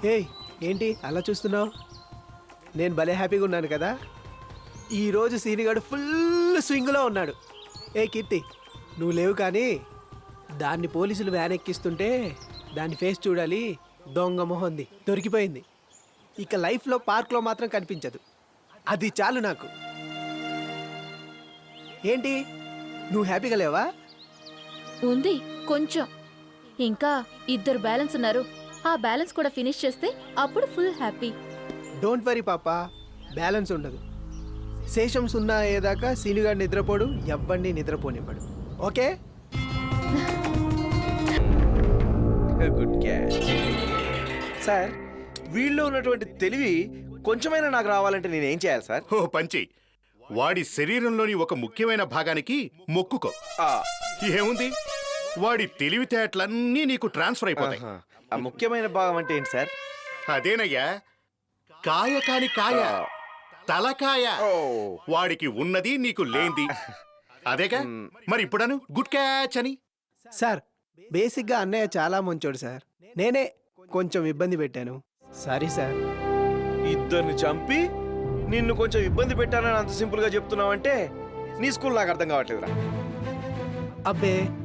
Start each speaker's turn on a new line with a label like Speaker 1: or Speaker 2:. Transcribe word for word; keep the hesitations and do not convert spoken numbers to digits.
Speaker 1: ఏయ్ ఏంటి అలా చూస్తున్నావు? నేను భలే హ్యాపీగా ఉన్నాను కదా. ఈరోజు సీనిగాడు ఫుల్ స్వింగ్లో ఉన్నాడు. ఏ కీర్తి, నువ్వు లేవు కానీ దాన్ని పోలీసులు వ్యాన్ ఎక్కిస్తుంటే దాని ఫేస్ చూడాలి. దొంగ మొహంది దొరికిపోయింది. ఇక లైఫ్లో పార్క్లో మాత్రం కనిపించదు. అది చాలు నాకు. ఏంటి నువ్వు హ్యాపీగా లేవా?
Speaker 2: ఉంది కొంచెం. ఇంకా ఇద్దరు బ్యాలెన్స్ ఉన్నారు. ఆ బ్యాలెన్స్ కూడా ఫినిష్ చేస్తే అప్పుడు ఫుల్ హ్యాపీ.
Speaker 1: డోంట్ వరీ పాపా, బ్యాలెన్స్ ఉండదు. శేషం సున్నా అయ్యేదాకా సీనుగాడు నిద్రపోడు, ఎవ్వడిని నిద్రపోనివ్వడు. ఓకే?
Speaker 3: Good catch sir. వీళ్ళలో ఉన్నటువంటి తెలివి కొంచెమైనా నాకు రావాలంటే నేనేం చేయాలి సార్?
Speaker 4: ఓ పంచి, వాడి శరీరంలోని ఒక ముఖ్యమైన భాగానికి మొక్కుకో. ఏముంది, వాడి తెలివితేటలన్నీ నీకు ట్రాన్స్ఫర్ అయిపోతాయి.
Speaker 3: ఆహా. ఆ ముఖ్యమైన భాగం అంటే ఏంటి సార్?
Speaker 4: అదేనయ్యా, కాయ కాని కాయ, తలకాయ.
Speaker 3: ఓ.
Speaker 4: వాడికి ఉన్నది నీకు లేంది. అదేగా మరి ఇప్పుడను గుడ్ క్యాచ్ అని.
Speaker 1: సార్, బేసిక్గా అన్నయ్య చాలా మంచోడు సార్. నేనే కొంచెం ఇబ్బంది పెట్టాను. Sorry sir.
Speaker 3: ఇద్దరిని చంపి నిన్ను కొంచెం ఇబ్బంది పెట్టానని అంత సింపుల్ గా చెప్తున్నావంటే నీ స్కూల్ నాకు అర్థం కావట్లేదురా.
Speaker 1: అబ్బే